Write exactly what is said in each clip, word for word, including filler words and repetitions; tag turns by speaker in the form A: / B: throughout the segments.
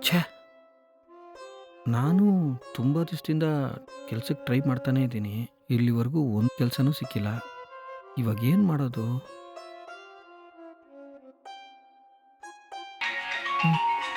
A: ಛೇ! ನಾನು ತುಂಬ ದಿವಸದಿಂದ ಕೆಲ್ಸಕ್ಕೆ ಟ್ರೈ ಮಾಡ್ತಾನೇ ಇದ್ದೀನಿ. ಇಲ್ಲಿವರೆಗೂ ಒಂದು ಕೆಲಸನೂ ಸಿಕ್ಕಿಲ್ಲ. ಇವಾಗ ಏನು ಮಾಡೋದು? ಹ್ಮ್.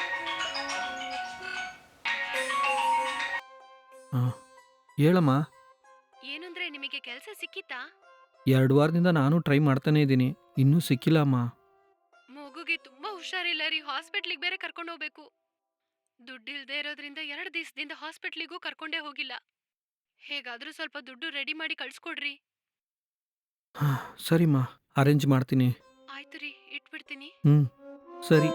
A: ಹಾಂ. ಹೇಳಮ್ಮ.
B: ಏನಂದ್ರೆ ನಿಮಗೆ ಕೆಲಸ ಸಿಕ್ಕಿತಾ?
A: ಎರಡು ವಾರದಿಂದ ನಾನು ಟ್ರೈ ಮಾಡ್ತಾನೇ ಇದ್ದೀನಿ. ಇನ್ನೂ ಸಿಕ್ಕಿಲ್ಲ ಅಮ್ಮ.
B: ಮಗುಗೆ ತುಂಬಾ ಹುಷಾರಿಲ್ಲ ರೀ, ಹಾಸ್ಪಿಟ್ಲಿಗೆ ಬೇರೆ ಕರ್ಕೊಂಡು ಹೋಗ್ಬೇಕು. ದುಡ್ಡಿಲ್ದೇ ಇರೋದ್ರಿಂದ ಎರಡು ದಿವಸದಿಂದ ಹಾಸ್ಪಿಟ್ಲಿಗೂ ಕರ್ಕೊಂಡೇ ಹೋಗಿಲ್ಲ. ಹೇಗಾದ್ರೂ ಸ್ವಲ್ಪ ದುಡ್ಡು ರೆಡಿ ಮಾಡಿ ಕಳ್ಸ್ಕೊಡ್ರಿ.
A: ಹಾಂ, ಸರಿಮ್ಮ. ಅರೇಂಜ್ ಮಾಡ್ತೀನಿ.
B: ಆಯ್ತು ರೀ, ಇಟ್ಬಿಡ್ತೀನಿ.
A: ಹ್ಞೂ, ಸರಿ.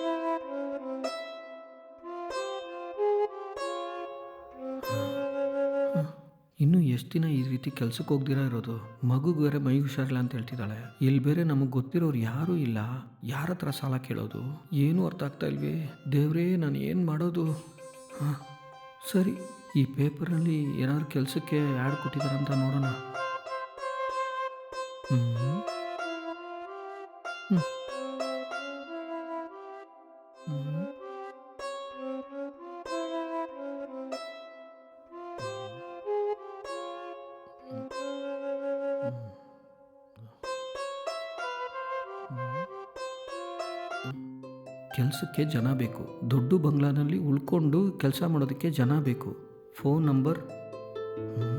A: ಹ್ಮ್. ಇನ್ನು ಎಷ್ಟು ದಿನ ಈ ರೀತಿ ಕೆಲ್ಸಕ್ಕೆ ಹೋಗ್ದಿರಾ ಇರೋದು? ಮಗುಗೆ ಬೇರೆ ಮೈ ಹುಷಾರಿಲ್ಲ ಅಂತ ಹೇಳ್ತಿದ್ದಾಳೆ. ಇಲ್ಲಿ ಬೇರೆ ನಮಗೆ ಗೊತ್ತಿರೋರು ಯಾರೂ ಇಲ್ಲ. ಯಾರ ಹತ್ರ ಸಾಲ ಕೇಳೋದು? ಏನೂ ಅರ್ಥ ಆಗ್ತಾ ಇಲ್ವೇ? ದೇವ್ರೇ, ನಾನು ಏನು ಮಾಡೋದು? ಹಾಂ, ಸರಿ. ಈ ಪೇಪರಲ್ಲಿ ಏನಾದ್ರು ಕೆಲಸಕ್ಕೆ ಆ್ಯಡ್ ಕೊಟ್ಟಿದ್ದಾರಂತ ನೋಡೋಣ. ಹ್ಞೂ ಹ್ಞೂ ಹ್ಞೂ ಕೆಲಸಕ್ಕೆ ಜನ ಬೇಕು. ದೊಡ್ಡ ಬಂಗ್ಲಾನಲ್ಲಿ ಉಳ್ಕೊಂಡು ಕೆಲಸ ಮಾಡೋದಕ್ಕೆ ಜನ ಬೇಕು. Phone number. Hmm.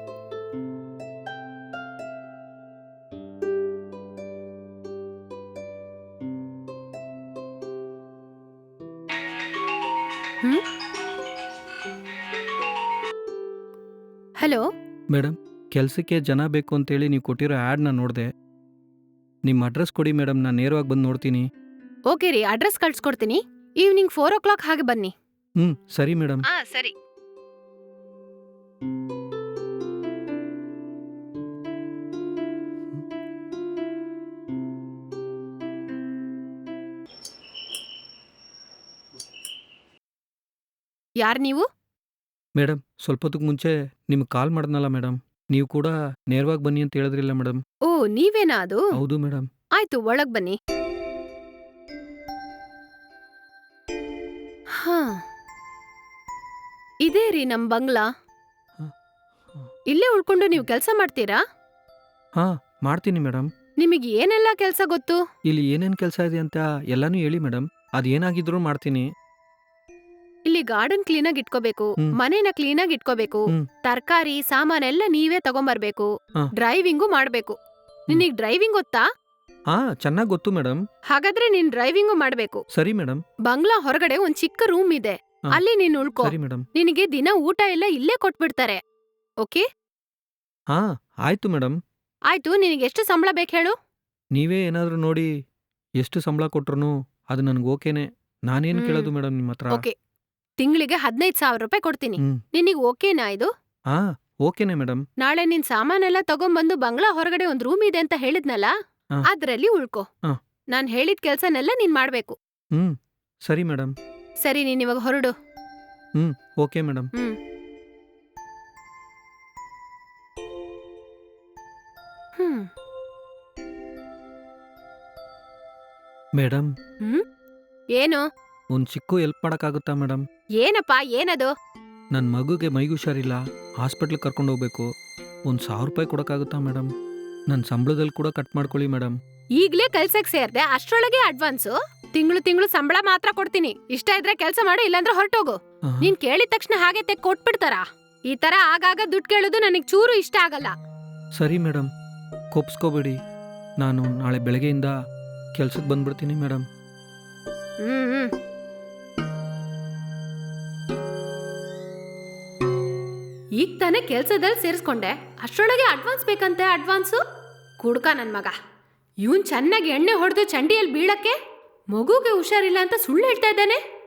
B: Hmm hello.
A: Madam, ಕೆಲಸಕ್ಕೆ ಜನ ಬೇಕು ಅಂತೇಳಿ ನೀವು ಕೊಟ್ಟಿರೋ ಆ್ಯಡ್ನ ನೋಡಿದೆ. ನಿಮ್ಮ ಅಡ್ರೆಸ್ ಕೊಡಿ ಮೇಡಮ್, ನಾನು ನೇರವಾಗಿ ಬಂದು ನೋಡ್ತೀನಿ.
B: ಓಕೆ ರೀ, ಅಡ್ರೆಸ್ ಕಳ್ಸ್ಕೊಡ್ತೀನಿ. ಈವ್ನಿಂಗ್ ಫೋರ್ ಓ ಕ್ಲಾಕ್ ಹಾಗೆ ಬನ್ನಿ.
A: ಹ್ಞೂ, ಸರಿ ಮೇಡಮ್.
B: ಆ ಸರಿ. ಯಾರ್ ನೀವು?
A: ಮೇಡಮ್, ಸ್ವಲ್ಪ ಹೊತ್ತಿಗೆ ಮುಂಚೆ ನಿಮ್ಗೆ ಕಾಲ್ ಮಾಡಿದ್ನಲ್ಲ ಮೇಡಮ್, ನೀವು ಕೂಡ ನೇರವಾಗಿ ಬನ್ನಿ ಅಂತ ಹೇಳಿದ್ರಿಲ್ಲ ಮೇಡಮ್.
B: ಓ, ನೀವೇನಾ ಅದು?
A: ಹೌದು ಮೇಡಮ್.
B: ಆಯ್ತು, ಒಳಗ್ ಬನ್ನಿ. ಹಾ, ಇದೇ ರೀ ನಮ್ ಬಂಗ್ಲಾ.
A: ಹಾಂ ಹಾಂ
B: ಇಲ್ಲೇ ಉಳ್ಕೊಂಡು ನೀವು ಕೆಲಸ ಮಾಡ್ತೀರಾ?
A: ಹಾಂ, ಮಾಡ್ತೀನಿ ಮೇಡಮ್.
B: ನಿಮಗೆ ಏನೆಲ್ಲ ಕೆಲಸ ಗೊತ್ತು?
A: ಇಲ್ಲಿ ಏನೇನು ಕೆಲಸ ಇದೆ ಅಂತ ಎಲ್ಲನೂ ಹೇಳಿ ಮೇಡಮ್. ಅದೇನಾಗಿದ್ರೂ ಮಾಡ್ತೀನಿ.
B: ಇಲ್ಲಿ ಗಾರ್ಡನ್ ಕ್ಲೀನಾಗಿ ಇಟ್ಕೋಬೇಕು,
A: ಹ್ಮ್.
B: ಮನೇನ ಕ್ಲೀನಾಗಿ ಇಟ್ಕೋಬೇಕು,
A: ಹ್ಮ್.
B: ತರಕಾರಿ ಸಾಮಾನೆಲ್ಲ ನೀವೇ ತಗೊಂಬರ್ಬೇಕು,
A: ಹಾ.
B: ಡ್ರೈವಿಂಗು ಮಾಡ್ಬೇಕು. ನಿನಗ್ ಡ್ರೈವಿಂಗ್ ಗೊತ್ತಾ?
A: ಹಾಂ, ಚೆನ್ನಾಗಿ ಗೊತ್ತು ಮೇಡಮ್.
B: ಹಾಗಾದ್ರೆ ನೀನ್ ಡ್ರೈವಿಂಗು ಮಾಡ್ಬೇಕು.
A: ಸರಿ ಮೇಡಮ್.
B: ಬಂಗ್ಲಾ ಹೊರಗಡೆ ಒಂದ್ ಚಿಕ್ಕ ರೂಮ್ ಇದೆ,
A: ಹಾ.
B: ಅಲ್ಲಿ ನೀನ್ ಉಳ್ಕೋ.
A: ಸರಿ ಮೇಡಮ್.
B: ನಿನಗೆ ದಿನ ಊಟ ಎಲ್ಲ ಇಲ್ಲೇ ಕೊಟ್ಬಿಡ್ತಾರೆ. ಓಕೆ?
A: ಹಾಂ, ಆಯಿತು ಮೇಡಮ್.
B: ಆಯ್ತು, ನಿನಗೆ ಎಷ್ಟು ಸಂಬಳ ಬೇಕು ಹೇಳು?
A: ನೀವೇ ಏನಾದರೂ ನೋಡಿ ಎಷ್ಟು ಸಂಬಳ ಕೊಟ್ರು ಅದು ನನಗೆ ಓಕೆನೆ. ನಾನೇನು
B: ಹ್ಮ್.
A: ಕೇಳೋದು ಮೇಡಮ್ ನಿಮ್ಮ ಹತ್ರ?
B: ಓಕೆ, ತಿಂಗಳಿಗೆ ಹದಿನೈದು ಸಾವಿರ ರೂಪಾಯಿ ಕೊಡ್ತೀನಿ.
A: ಹ್ಞೂ.
B: ನಿನಗ್ ಓಕೆನಾ ಇದು?
A: ಹಾಂ, ಓಕೆನೆ ಮೇಡಮ್.
B: ನಾಳೆ ನಿನ್ ಸಾಮಾನೆಲ್ಲ ತಗೊಂಬಂದು ಬಂಗ್ಲಾ ಹೊರಗಡೆ ಒಂದ್ ರೂಮ್ ಇದೆ ಅಂತ ಹೇಳಿದ್ನಲ್ಲ,
A: ಹಾ.
B: ಅದ್ರಲ್ಲಿ ಉಳ್ಕೋ.
A: ಹಾ.
B: ನಾನ್ ಹೇಳಿದ ಕೆಲ್ಸನೆಲ್ಲ ನೀನ್ ಮಾಡ್ಬೇಕು.
A: ಹ್ಞೂ, ಸರಿ ಮೇಡಮ್.
B: ಸರಿ, ನೀನ್ ಇವಾಗ ಹೊರಡು.
A: ಹ್ಞೂ, okay madam.
B: Hmm hmm
A: madam,
B: hmm ಏನು?
A: ಒಂದು ಚಿಕ್ಕ ಹೆಲ್ಪ್ ಮಾಡೋಕ್ಕಾಗುತ್ತಾ ಮೇಡಮ್?
B: ಏನಪ್ಪ, ಏನದು?
A: ನನ್ನ ಮಗುಗೆ ಮೈಗೆ ಹುಷಾರಿಲ್ಲ, ಹಾಸ್ಪಿಟ್ಲಿಗೆ ಕರ್ಕೊಂಡು ಹೋಗ್ಬೇಕು. ಒಂದು ಸಾವಿರ ರೂಪಾಯಿ ಕೊಡೋಕ್ಕಾಗುತ್ತಾ ಮೇಡಮ್? ನನ್ನ ಸಂಬಳದಲ್ಲಿ ಕೂಡ ಕಟ್ ಮಾಡ್ಕೊಳ್ಳಿ ಮೇಡಮ್.
B: ಈಗ್ಲೇ ಕೆಲ್ಸಕ್ ಸೇರ್ದೆ, ಅಷ್ಟ್ರೊಳಗೆ ಅಡ್ವಾನ್ಸು? ತಿಂಗಳು ತಿಂಗಳು ಸಂಬಳ ಮಾತ್ರ ಕೊಡ್ತೀನಿ. ಇಷ್ಟ ಇದ್ರೆ ಕೆಲ್ಸ ಮಾಡು, ಇಲ್ಲಾಂದ್ರೆ ಹೊರಟೋಗು.
A: ಆಹಾ.
B: ನೀನ್ ಕೇಳಿದ ತಕ್ಷಣ ಹಾಗೆ ತೆಗ್ ಕೊಟ್ಬಿಡ್ತಾರ? ಈ ತರ ಆಗಾಗ ದುಡ್ಡು ಕೇಳೋದು ನನಗ್ ಚೂರು ಇಷ್ಟ ಆಗಲ್ಲ.
A: ಸರಿ ಮೇಡಮ್, ಕೋಪಿಸ್ಕೋಬೇಡಿ. ನಾನು ನಾಳೆ ಬೆಳಗ್ಗೆಯಿಂದ ಕೆಲ್ಸಕ್ಕೆ ಬಂದ್ಬಿಡ್ತೀನಿ ಮೇಡಮ್.
B: ಹ್ಮ್ ಹ್ಮ್ ಈಗ ತಾನೇ ಕೆಲ್ಸದಲ್ಲಿ ಸೇರಿಸ್ಕೊಂಡೆ, ಅಷ್ಟ್ರೊಳಗೆ ಅಡ್ವಾನ್ಸ್ ಬೇಕಂತೆ? ಅಡ್ವಾನ್ಸು ಕುಡ್ಕ ನನ್ ಮಗ. ಇವನ್ ಚೆನ್ನಾಗಿ ಎಣ್ಣೆ ಹೊಡೆದು ಚಂಡಿಯಲ್ಲಿ ಬೀಳಕ್ಕೆ ಮಗುಗೆ ಹುಷಾರಿಲ್ಲ ಅಂತ ಸುಳ್ಳು ಹೇಳ್ತಾ ಇದ್ದಾನೆ.